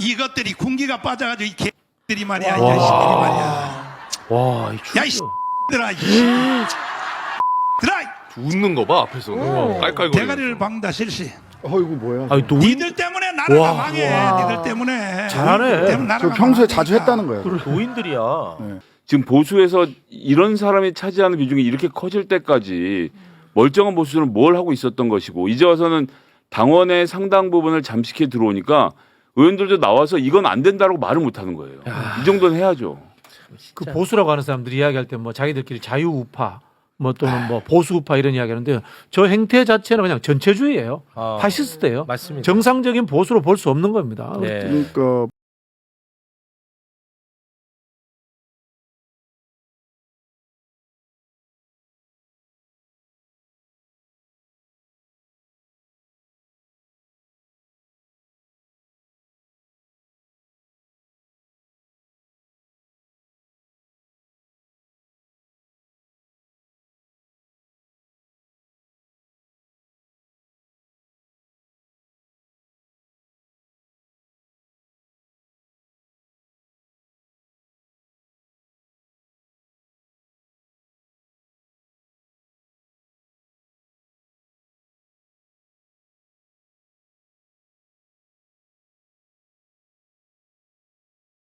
이것들이 군기가 빠져가지고 이 개들이 말이야, 이 자식들이 말이야. 와, 야, 이 들아, 이 들아. 웃는 거 봐 앞에서는 깔깔거리면서. 대가리를 박는다 실시. 이거 뭐야? 아니, 니들 때문에 나라가 망해. 니들 때문에. 잘하네. 니들 때문에 저 나라가 평소에 망하니까. 자주 했다는 거예요. 노인들이야. 지금 보수에서 이런 사람이 차지하는 비중이 이렇게 커질 때까지 멀쩡한 보수는 뭘 하고 있었던 것이고 이제 와서는 당원의 상당 부분을 잠식해 들어오니까 의원들도 나와서 이건 안 된다라고 말을 못 하는 거예요. 이 정도는 해야죠. 그 보수라고 하는 사람들이 이야기할 때 뭐 자기들끼리 자유우파 뭐 또는 뭐 보수우파 이런 이야기 하는데 저 행태 자체는 그냥 전체주의예요. 파시스트예요. 맞습니다. 정상적인 보수로 볼 수 없는 겁니다. 네. 그러니까